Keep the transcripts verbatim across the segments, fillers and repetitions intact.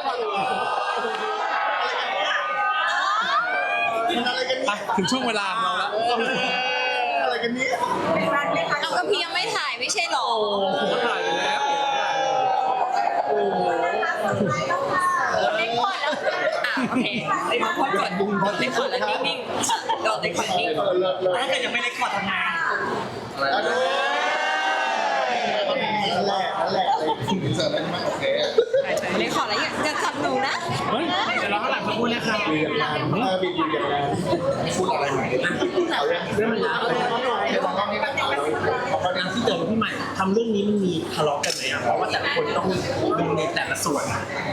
อะไรกันเนี่ยถึงช่วงเวลาของเราแล้วอะไรกันเนี่ยเอาก็พี่ยังไม่ถ่ายไม่ใช่หรอผมก็ถ่ายไปแล้วเล็กก่อนแล้วอ่ะโอเคไอ้พอดก่อนเล็กก่อนแล้วนิ่งๆโดนเล็กก่อนนิ่งถ้าเกิดยังไม่เล็กก่อนทำไงนั่นแหละนั่นแหละเสร็จแล้วไหมโอเคเล็กก่อนแล้วอย่าจับหนูนะเฮ้ยเดี๋ยวเราข้างหลังมาพูดนะครับบีบอย่างนั้นเออบีบอยู่อย่างนั้นพูดอะไรใหม่เอาเรื่องเรื่องมันยาวเลยเดี๋ยวมองกล้องนี้นะเอาเอางานที่เจอพี่ใหม่ทำเรื่องนี้มันมีทะเลาะกันไหมอ่ะเพราะว่าแต่ละคนต้องดูในแต่ละส่วน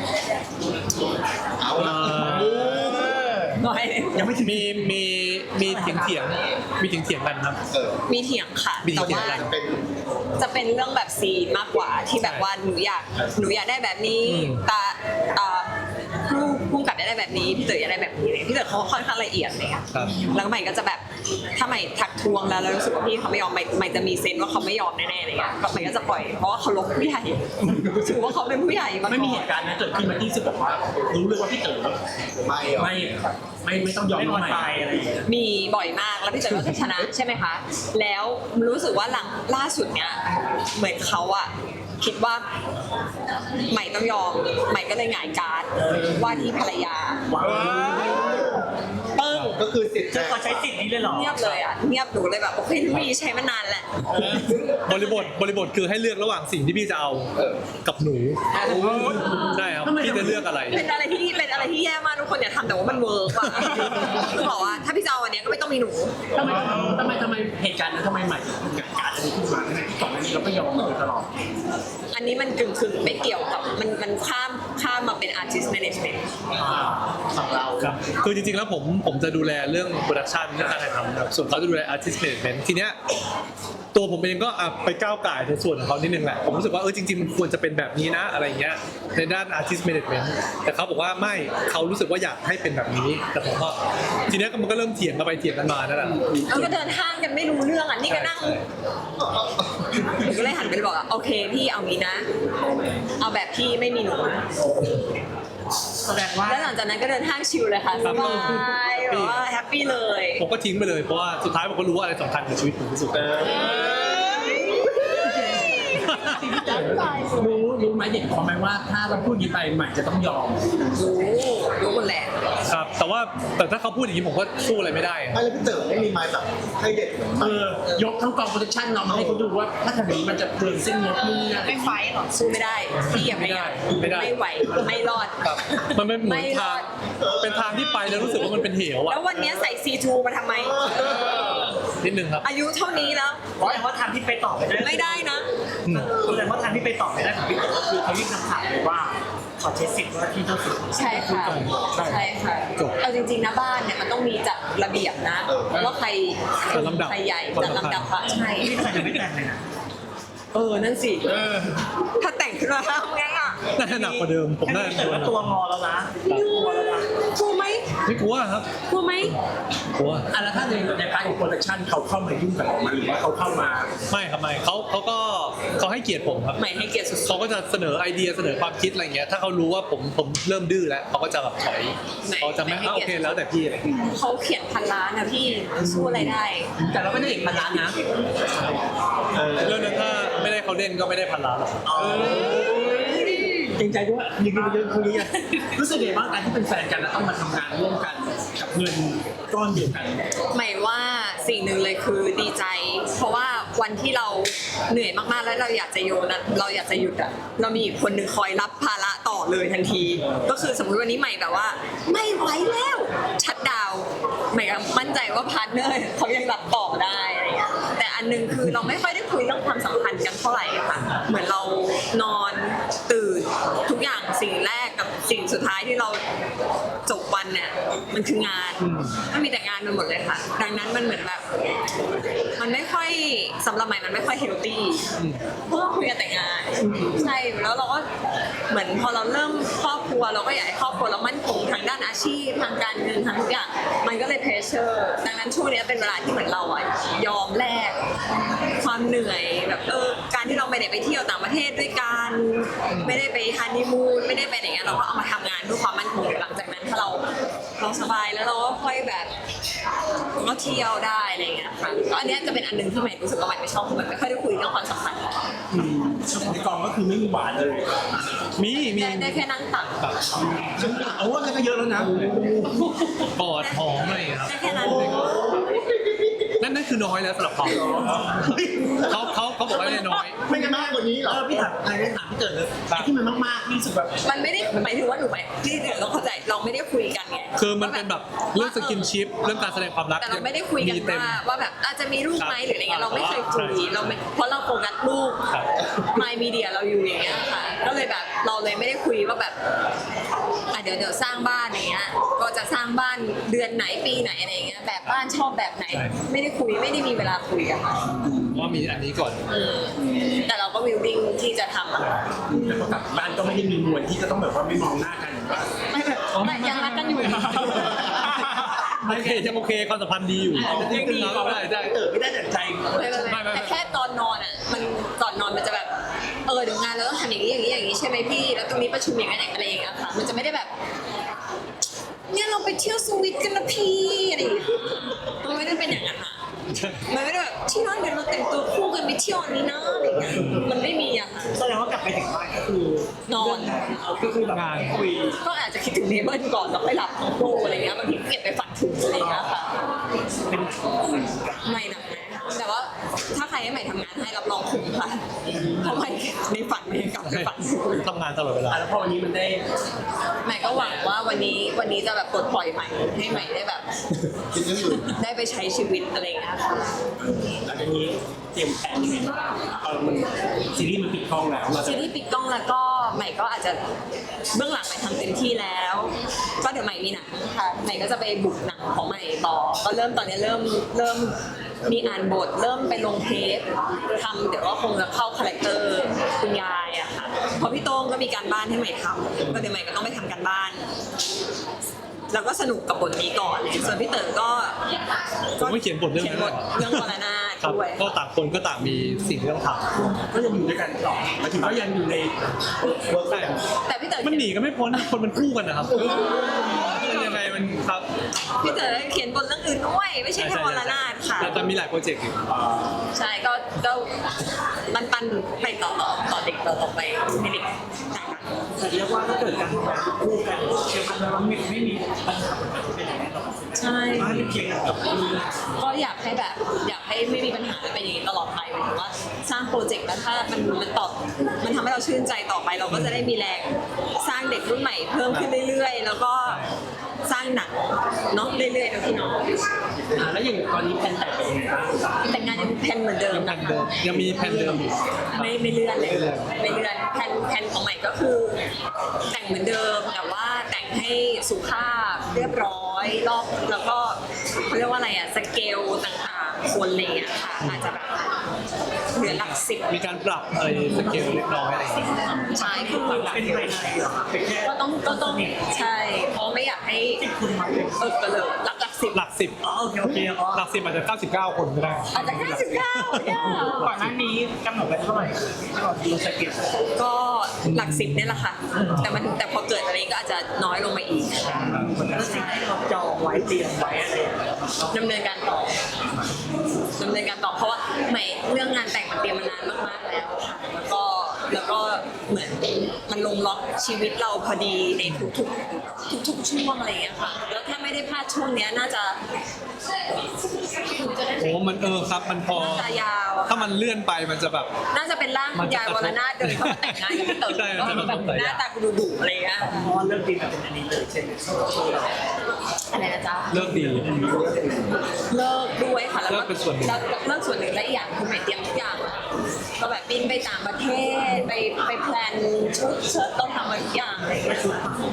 เอาละน้อยเลยยังไม่ถึงมีมีมีเถียงเถียงมีเถียงเถียงกันครับเออมีเถียงค่ะมีแต่เถียงว่ากันเป็นจะเป็นเรื่องแบบซีนมากกว่าที่แบบว่าหนูอยากหนูอยากได้แบบนี้ตาอ่าผู้ผู้กำกับอยากได้แบบนี้พี่เต๋ออยากได้แบบนี้เลยพี่เต๋อเขาค่อนข้างละเอียดเลยค่ะแล้วใหม่ก็จะแบบถ้าใหม่ทักทวงแล้วแล้วรู้สึกว่าพี่เขาไม่ยอมใหม่ใหม่จะมีเซนว่าเขาไม่ยอมแน่ๆเลยอ่ะก็ใหม่ก็จะปล่อยเพราะว่าเขาลบผู้ใหญ่ถือว่าเขาเป็นผู้ใหญ่มาไม่มีเหตุการณ์นะเกิดขึ้นมาที่รู้สึกแบบว่ารู้เลยว่าพี่เต๋อไม่หรอไม่ไม่ไม่ต้องยอมน้องใหม่อะไรอย่างเงี้ยมีบ่อยมากแล้วพี่เต๋อก็จะชนะใช่ไหมคะแล้วรู้สึกว่าหลังล่าสุดเนี้ยเหมือนเขาอะคิดว่าใหม่ต้องยอมใหม่ก็เลยหงายการ์ดว่าที่ภรรยาปึ้งก็คือสิทธิ์เขาใช้สิทธิ์นี้เลยเหรอเงียบเลยอ่ะเงียบหนูเลยแบบโอเคพี่ใช้มานานแหละบริบทบริบทคือให้เลือกระหว่างสิ่งที่พี่จะเอากับหนูใช่ครับพี่จะเลือกอะไรเป็นอะไรที่เป็นอะไรที่แย่มากทุกคนอย่าทำแต่ว่ามันเวิร์กอ่ะคือบอกว่าถ้าพี่จะเอาอันเนี้ยก็ไม่ต้องมีหนูทำไมทำไมทำไมเหตุการณ์นั้นทำไมใหม่ถึงเกิดการณ์นี้ขึ้นมาทั้งที่ก่อนหน้านี้เราก็ยอมมาโดยตลอดอันนี้มันกึ่งกึ่งไม่เกี่ยวกับมันมันข้ามข้ามมาเป็น artist management ของเราครับคือจริงๆแล้วผมผมจะดูแลเรื่องโปรดักชันเรื่องการถ่ายทำครับส่วนเขาจะดูแล artist management ทีเนี้ยตัวผมเองก็อ่ะไปก้าวไก่ในส่วนของเขานิดนึงแหละผมรู้สึกว่าเออจริงๆมันควรจะเป็นแบบนี้นะอะไรเงี้ยในด้าน artist management แต่เขาบอกว่าไม่เขารู้สึกว่าอยากให้เป็นแบบนี้แต่ผมก็ทีเนี้ยมันก็เริ่มเถียงกันไปเถียงกันมานั่นแหละแล้วก็เดินห้างกันไม่รู้เรื่องอ่ะนี่ก็นั่งหนูก็เลยหันไปบอกอ่ะโอเคพี่เอางี้นะ เอาแบบพี่ไม่มีหนูแสดงว่าแล้วหลังจากนั้นก็เดินห้างชิลเลยค่ะสบายแบบว่าแฮปปี้เลยผมก็ทิ้งไปเลยเพราะว่าสุดท้ายผมก็รู้ว่าอะไรสำคัญกับชีวิตผมที่สุดรู้รู้ไหมเด็กเขาไหมว่าถ้าเราพูดยีไปใหม่จะต้องยอมรู้รู้หมดแหละครับแต่ว่าแต่ถ้าเขาพูดอย่างนี้ผมก็สู้อะไรไม่ได้ไม่แล้วพี่เต๋อไม่มีไม้แบบให้เด็กเหมือนเอมันอยกทั้งกองโปรดักชั่นเรามาให้เขาดูว่าถ้าทำอย่างนี้มันจะเกินเส้นงบนู่นนี่นั่นไม่ไฟหรอสู้ไม่ได้พี่อย่าไม่ได้ไม่ไหวไม่รอดครับมันเป็นเหมือนไม่รทาอง ดเป็นทางที่ไปแล้วรู้สึกว่ามันเป็นเหวอะแล้ววันนี้ใส่ ซี ทู มาทำไมนิดนึงครับอายุเท่านี้แล้วเพราะว่าทางที่ไปต่อไม่ได้ไม่ได้นะแสดงว่าทางที่ไปต่อไม่ได้ของพี่เต๋อก็คือเขายื่นคำขาดเลยว่าขอใช้สิทธิ์ว่าที่เจ้าสัวใช่ค่ะใช่ค่ะเอาจริงๆนะบ้านเนี่ยมันต้องมีจัดระเบียบนะว่าใครจัดลำดับใครใหญ่จัดลำดับอะใช่นี่ทำไมยังไม่แต่งเลยนะเออนั่นสิถ้าแต่งขึ้นมาทำไงอ่ะน่าจะหนักกว่าเดิมผมน่าจะแต่ว่าตัวงอแล้วนะตัวแล้วนะกลัวไหมไม่กลัวครับกลัวไหมกลัวอ่ะแล้วถ้าในในพาร์ทของโปรดักชั่นเขาเข้ามายุ่งกับเราหรือว่าเขาเข้ามาไม่ครับไม่เขาเขาก็เขาให้เกียรติผมครับใหม่ให้เกียรติสุดเขาก็จะเสนอไอเดียเสนอความคิดอะไรเงี้ยถ้าเขารู้ว่าผมผมเริ่มดื้อแล้วเขาก็จะแบบถอยเขาจะไม่อ่ะโอเคแล้วแต่พี่อะไรอย่างเงี้ยๆเขาเขียนพันล้านนะพี่สู้อะไรได้แต่เราไม่ได้เห็นพันล้านนะเรื่องนั้นถ้าไม่ได้เขาเล่นก็ไม่ได้พันล้านหรอกเกรงใจด้วยยิงกันเยอะคนนี้รู้สึกไงบ้างการที่เป็นแฟนกันแล้วต้องมาทำงานร่วมกันกับเงินก้อนเดียวกันหมายว่าสิ่งหนึ่งเลยคือดีใจ เพราะว่าวันที่เราเหนื่อยมากๆแล้วเราอยากจะโยนอะเราอยากจะหยุดอะเรามีอีกคนหนึ่งคอยรับภาระต่อเลยทันที ก็คือสมมติวันนี้ใหม่แบบว่า ไม่ไหวแล้วชัดดาวน์ใหม่ก็มั่นใจว่าพาร์ทเนอร์เขายังรับต่อได้อะไรอย่างเงี้ยแต่อันหนึงคือเราไม่ค่อยได้คุยเรื่องความสัมพันธ์กันเท่าไหร่ค่ะเหมือนเรานอนตื่นทุกอย่างสิ่งแรกกับสิ่งสุดท้ายที่เราจบวันเนี่ยมันคืองานมันมีแต่งานไปหมดเลยค่ะดังนั้นมันเหมือนแบบมันไม่ค่อยสำหรับใหม่มันไม่ค่อยเฮลตี้เพราะเราคุยกันแต่งานใช่แล้วเราก็เหมือนพอเราเริ่มครอบครัวเราก็อยากให้ครอบครัวเรามั่นคงทางด้านอาชีพทางการเงินทางทุกอย่างมันก็เลยเพรสเชอร์ดังนั้นช่วงนี้เป็นเวลาที่เหมือนเราอะยอมแลกความเหนื่อยแบบเออการที่เราไม่ได้ไปเที่ยวต่างประเทศด้วยกันไม่ได้ไปฮันนีมูนไม่ได้ไปไหนงี้ยเราก็เอามาทำงานเพื่อความมั่นคงหลังจากนั้นถ้าเราเราสบายแล้วเราก็ค่อยแบบก็เที่ยวได้อะไรเงี้ยค่ะก็อันเนี้ยจะเป็นอันหนึงที่ใหม่รู้สึกว่าใหม่ไม่ชอบคือมันไม่ค่อยได้คุยเรื่องความสัมพันธ์อืมในกองก็คือไม่มีหวานเลยมีมีได้ได้แค่นั่งตักแบบเอาว่าก็เยอะแล้วนะกอดหอมอะไรอย่างเงี้ยครับได้แค่นั้นนั่นนั่นคือน้อยแล้วสำหรับเขาเขาเขาเขาบอกว่าได้น้อยไม่ได้มากกว่านี้เหรเอออพี่ถามอะไรถามพี่เกิดเลยไอ้ที่มันมากๆที่รู้สึกแบบมันไม่ได้หมายถึงว่าหนูไหมที่เดี๋ยวเราเข้าใจเราไม่ได้คุยกันไงคือมันเป็นแบบเรื่องสกินชิปเรื่องการแสดงความรักแต่เราไม่ได้คุยกันมีเต็มว่าว่าแบบอาจจะมีลูกไหมหรืออะไรเงี้ยเราไม่เคยคุยใช่เราไม่เพราะเราโฟกัสลูกครับมายมีเดียเราอยู่อย่างเงี้ยค่ะก็เลยแบบเราเลยไม่ได้คุยว่าแบบอ่ะเดี๋ยวเดี๋ยวสร้างบ้านอย่างเงี้ยก็จะสร้างบ้านเดือนไหนปีไหนอะไรเงี้ยแบบบ้านชอบแบบไหน ไม่ได้คุยไม่ได้มีเวลาคุยกันค่ะว่ามีอันนี้ก่อนอืมแต่เราก็วิลดิ้งที่จะทำอะแต่พอกลับบ้านก็ไม่ได้มีมวลที่จะต้องแบบว่าไม่มองหน้ากันหรือว่าไม่แบบไม่ยังรักกันอยู่โอเคยังโอเคความสัมพันธ์ดีอยู่ยังดีครับได้ได้เกิดไม่ได้แต่ใจไม่ไม่ไม่ไม่ไม่แต่แค่ตอนนอนอ่ะมันก่อนนอนมันจะแบบเออเดี๋ยวงานเราต้องทำอย่างนี้อย่างนี้อย่างนี้ใช่ไหมพี่แล้วตรงนี้ประชุมอย่างนั้นอะไรอย่างเงี้ยค่ะมันจะไม่ได้แบบเนี่ยเราไปเที่ยวสวิตกันนะพี่อะไรอย่างเงี้ยมันไม่ได้เป็นอย่างนั้นค่ะมันไม่ได้แบบที่นั่นเดี๋ยวเราแต่งตัวคู่กันไปเที่ยวอันนี้นะอะไรอย่างเงี้ยมันไม่มีอะค่ะแสดงว่ากลับไปถึงบ้านก็คือนอนเอาก็คือแบบงานคุยก็อาจจะคิดถึงเนเบิลก่อนแล้วไปหลับของคู่อะไรเงี้ยบางทีเก็บไปฝันถึงอะไรอย่างเงี้ยค่ะเป็นไม่หนักนะแต่ว่าถ้าใครให้ใหม่ทำงานให้รับรองคุ้มค่ะเพราะใหม่ในฝันไม่กลับไปฝันทำงานตลอดเวลาอ่ะแล้วพอวันนี้มันได้ใหม่ก็หวังว่าวันนี้วันนี้จะแบบปลดปล่อยใหม่ให้ใหม่ได้แบบคิดเรื่องอื่นได้ไปใช้ชีวิตอะไรอย่างเงี้ยค่ะหลังจากนี้เตรียมแผนยังไงบ้างเออมันซีรีส์มันปิดกล้องแล้วเราจะซีรีส์ปิดกล้องแล้วก็ใหม่ก็อาจจะเบื้องหลังใหม่ทำเต็มที่แล้ว ก็เดี๋ยวใหม่มีหนังค่ะใหม่ก็จะไปบุกหนังของใหม่ต่อก็เริ่มตอนนี้เริ่มเริ่มมีอ่านบท เริ่มไปลงเทปทำเดี๋ยวก็คงจะเข้าคาแรคเตอร์คุณยายอะค่ะเพราะพี่โต้งก็มีการบ้านให้ใหม่ทำก็เดี๋ยวใหม่ก็ต้องไปทำการบ้าน แล้วก็สนุกกับบทนี้ก่อนส่วนพี่เต๋อก็ผมก็เขียนบทเรื่องเขียนั้น นบทเรื่องวรนาถครับด้วยก็ต่างคนก็ต่างมีสิ่งที่ต้องทก็ยังอยู่ด้วยกันต่อหมายถึงว่ายังอยู่ในำ work ได้แต่พี่เต๋อมันหนีกันไม่พ้นคนมันคู่กันนะครับมันยังไงมันครับพี่เต๋อเขียนบทเรื่องอื่นด้วยไม่ใช่แค่วรนาถค่ะแต่จะมีหลายโปรเจกต์อยู่ใช่ก็ก็มันปันไปต่อต่อต่อเด็กต่อต่อไปให้เด็กต่างกันแต่เรียกว่าถ้าเกิดการทำงานคู่กันเชื่อมั่นว่าไม่ไม่มีปัญหาที่เป็นอย่างนี้หรอกใช่บ้านเพียงกับก็อยากให้แบบอยากให้ไม่มีปัญหาและเป็นอย่างนี้ตลอดไปหมายถึงว่าสร้างโปรเจกต์แล้วถ้ามันมันตอบมันทำให้เราชื่นใจต่อไป เราก็จะได้มีแรงสร้างเด็กรุ่นใหม่เพิ่มขึ้นเรื่อยๆ แล้วก็สร้างหนังเนาะเรื่อยๆนะพี่น้องอ่าแล้วอย่างตอนนี้แผนแต่งเป็นยังไงบ้างแต่งงานยังแพลนเหมือนเดิมยังแผนะนคะเดิมยังมีแผนเดิมอยู่ไม่ไม่เลื่อนเลยไม่เลื่อนแผนแผนของใหม่ก็คือ แต่งเหมือนเดิมแต่ว่าแต่งให้สุภาพเรียบร้อยรอบแล้วก็เขาเรียกว่าอะไรอะสเกลต่างๆคนอะไรอย่างเลยค่ะอาจจะแบบเหลือหลักสิบมีการปรับอะไรสเกลเล็กน้อยอะไรอย่างเงี้ยใช่คือเป็นภายในเหรอเป็นแค่ก็ต้องก็ต้องใช่เพราะไม่อยากให้เออก็เลยหลักหลักสิบหลักสิบอ๋อโอเคโอเคอ๋อหลักสิบอาจจะเก้าสิบเก้าคนก็ได้อาจจะเก้าสิบเก้าเนี่ยก่อนหน้านี้กำหนดไว้เท่าไหร่ที่เราดูสเก็ตก็หลักสิบเนี่ยแหละค่ะ แต่มันแต่พอเกิดอะไรก็อาจจะน้อยลงมาอีกแล้วสิ่งที่เราจองไว้เตรียมไว้อะไรดำเนินการต่อดำเนินการต่อเพราะว่าใหม่เรื่องงานแต่งมันเตรียมมานานมากๆแล้วค่ะแล้วก็แล้วก็เหมือนมันลงล็อกชีวิตเราพอดีในทุกๆทุกๆช่วงอะไรอย่างเงี้ยค่ะ แล้วถ้าไม่ได้พลาดช่วงเนี้ยน่าจะโอ้มันเออครับมันพอน่าจะยาวอะถ้ามันเลื่อนไปมันจะแบบน่าจะเป็นร่างคุณยายวรนาถเดินเข้ามาแต่งงานกับพี่เต๋อใช่ก็มันจะแบบต้องหน้าตาดูดุๆอะไรอย่างเงี้ยเพราะว่าเรื่องจริงแบบเป็นอันนี้เลยใช่ไหมโชว์เราอะไรนะจ๊ะเลิกดีเลิกด้วยค่ะแล้วเลิกเป็นส่วนหนึ่งแล้วเลิกส่วนหนึ่งและอีกอย่างคือใหม่เตรียมทุกอย่างอะก็แบบบินไปต่างประเทศไปไปแพลนชุดเชิ้ตต้องทำมาทุกอย่างอะไรอย่างเลย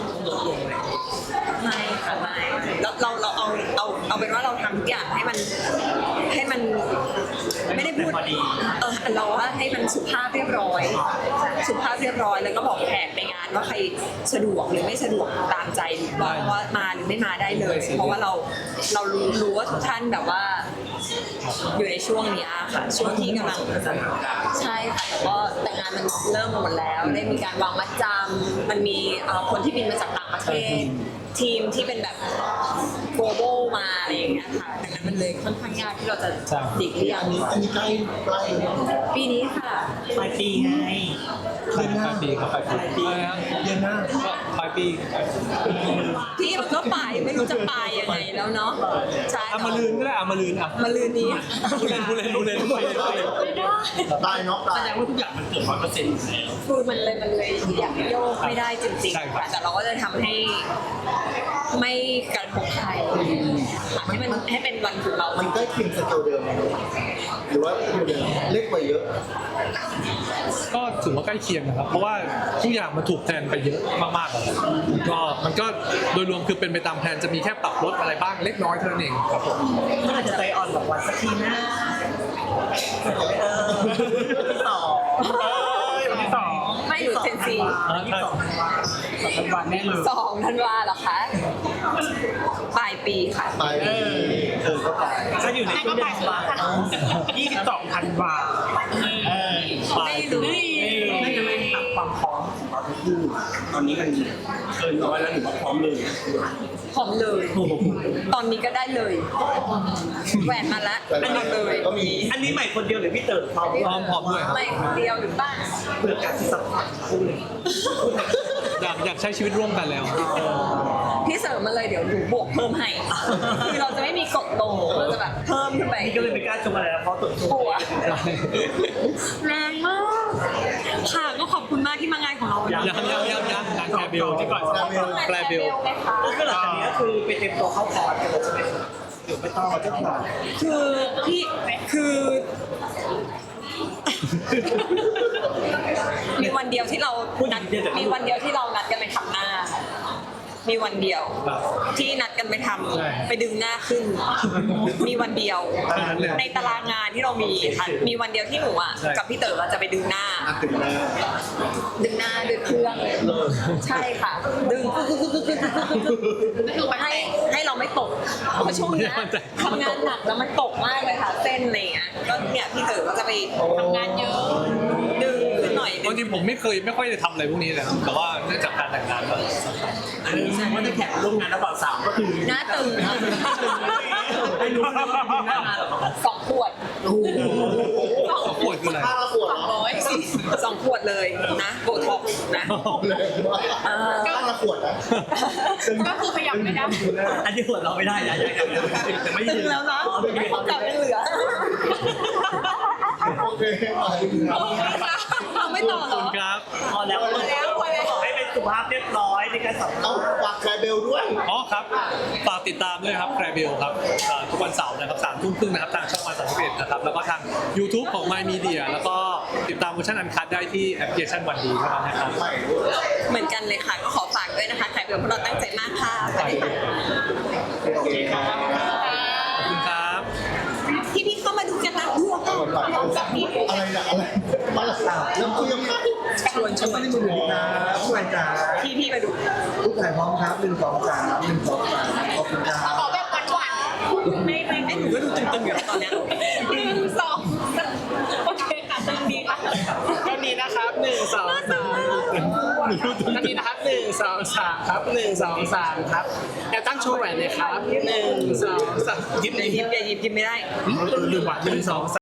ไม่ค่ะไม่เราเราเราเอาเอาเอาเป็นว่าเราทำทุกอย่างให้มันให้มันไม่ได้พูดเออเราว่าให้มันสุภาพเรียบร้อย สุภาพเรียบร้อยแล้วก็บอกแขกในงานว่าใครสะดวกหรือไม่สะดวกตามใจว่าว่ามาหรือไม่มาได้เลย เพราะว่าเราเรารู้รู้ว่าทุกท่านแบบว่าอยู่ในช่วงเนี้ยค่ะ ช่วงที่กำลังใช่ค่ะแต่ก็แต่งานมันเริ่มหมดแล้วได้มีการวางมัดจำมันมีเอ่อคนที่บินมาจากต่างประเทศ ทีมที่เป็นแบบ global มาอะไรอย่างเงี้ยค่ะดังนั้นมันเลยค่อนข้างยากที่เราจะหลีกเลี่ยงอันนี้ใกล้ใกล้ปีนี้ค่ะปลายปีไงปลายปีครับปลายปีปลายปีเดือนหน้าก็ปลายปีพี่มันก็ปลายไม่รู้จะปลายยังไงแล้วเนาะใช่เอามาลืนก็ได้เอามาลืนอ่ะมาลืนนี้ผู้เล่นผู้เล่นผู้เล่นผู้เล่นไม่ได้ตายเนาะแสตายดงว่าทุกอย่างมันเกิดร้อยเปอร์เซ็นต์อยู่แล้วคือมันเลยมันเลยอยากโยกไม่ได้จริงๆค่ะแต่เราก็จะทำให้ไม่กระทบใครค่ะให้มันให้เป็นวันของเรามันใกล้เคียงสเกลเดิมไหมหรือว่าสเกลเดิมเล็กกว่าเยอะก็ถือว่าใกล้เคียงนะครับ เพราะว่าทุกอย่างมันถูกแพลนไปเยอะมากๆแล้วก็มันก็โดยรวมคือเป็นไปตามแพลนจะมีแค่ปรับลดอะไรบ้างเล็กน้อยเท่านั้นเองครับผมเมื่อไหร่จะใจอ่อนกับวันสักทีนะเออที่สองเออที่สองไม่หรือเซนซีที่สองสองวันแน่เลยสองธันวาเหรอคะปลายปีค่ะตายเออเออก็ตายจะอยู่ในช่วงเดือนธันวายี่สิบสองธันวาเออไม่รู้นั่นจะเป็นความพร้อมของเราทั้งคู่ตอนนี้มันเกินร้อยแล้วหรือว่าพร้อมเลยพร้อมเลย ตอนนี้ก็ได้เลยแหวนมาละอันนี้เลยก็มีอันนี้ใหม่คนเดียวหรือพี่เติร์ดพร้อมพร้อมพร้อมด้วยครับไม่คนเดียวหรือเปล่าเพื่อการที่สัมผัสคู่เลยอยากอยากใช้ชีวิตร่วมกันแล้วพี่เสริมมาเลยเดี๋ยวหนูบวกเพิ่มให้คือเราจะไม่มีกฎโตเราจะแบบเพิ่มขึ้นไปนี่ก็เลยไม่กล้าชมอะไรแล้วเพราะตัวกลัวแรงมากค่ะก็ขอบคุณมากที่มางานของเราวันนี้ยังยังยังยังงานแคร์เบลที่ก่อนขอบคุณงานแคร์เบลไหมคะก็หลังจากนี้ก็คือไปเต็มตัวเข้าคอร์สกันเลยใช่ไหมหรือไม่ต้องเราจะผ่านคือพี่คือ มีวันเดียวที่เรานัดมีวันเดียวที่เรานัดกันไปทำหน้า มีวันเดียว ที่นัดกันไปทำใช่ไปดึงหน้าขึ้น มีวันเดียวเท่านั้นเลยในตารางงานที่เรามีค่ะมีวันเดียวที่หนูอ่ะใช่กับพี่เต๋ออะจะไปดึงหน้าอ่ะถึงแล้วดึงหน้าด้วยเครื่องใช่ค่ะ ดึงคือให้ให้เราไม่ตกเพราะช่วงเนี้ยทำงานหนักแล้วมันตกมากเลยค่ะเส้นอะไรอย่างเงี้ยก็เนี่ยพี่เต๋อก็จะไปทำงานเยอะดึงขึ้นหน่อยดึบาง งทีผมไม่เคยไม่ค่อยได้ทำอะไรพวกนี้เลยครับแต่ว่าเนื่องจากการแต่งงานก็สำคัญอันนี้แสดงว่าจะแข่งร่วมงานระหว่างสาวก็คือหน้าตึงให้รู้ว่าเป็นหน้างานหรอสองขวดสองขวดคืออะไรห้าละขวดสองร้อยสองขวดเลยนะโบท็อกซ์นะเลยห้าละขวดนะก็คือขยับไม่ได้อันนี้หัวเราไม่ได้นะยังยังยังไม่ตึยืงนแล้วนะของเก่ายังเหลือโอเคไปครับเราไม่ต่อหรอครับพอแล้วพอแล้วพอแล้วให้เป็นสุภาพเรียบร้อยในการสัมภาเอาษณ์ฝากแคร์เบลด้วยอ๋อครับฝากติดตามด้วยครับแคร์เบลครับเอ่อทุกวันเสาร์นะครับสามทุ่มครึ่งนะครับทางช่องวันสามสิบเอ็ดนะครับแล้วก็ทาง YouTube ของ My Media แล้วก็ติดตามเวอร์ชันอันคัดได้ที่แอปพลิเคชันวันดีเท่านั้นนะครับใหม่เหมือนกันเลยค่ะ ก็ขอฝากด้วยนะคะใครเป็นพวกเราตั้งใจมากค่ะสวัสดีค่ะโอเคครับขอบคุณครับพี่พี่ๆเข้ามาดูกันนะดูกันลองจับพี่อะไรนะอะไรมาละสาวเริ่มคุยกันไหมชวนชวนสวัสดีครับผู้ใหญ่จ๋าพี่พี่ๆมาดูทุกถ่ายพร้อมครับหนึ่งสองสามหนึ่งสองสามขอบคุณครับขอแบบหวานๆไม่ไม่ไม่หนูก็ดูตึงๆอยู่แล้วตอนเนี้ยหนึ่งสองโอเคค่ะตึงดีค่ะตอนนี้นะครับหนึ่งสองสามตอนนี้นะครับหนึ่งสองสามครับหนึ่งสองสามครับแอบตั้งโชว์แหวนเลยครับหนึ่งสองสามหยิบอย่าหยิบอย่าหยิบหยิบไม่ได้หนึ่งหนึ่งหนึ่งสองสาม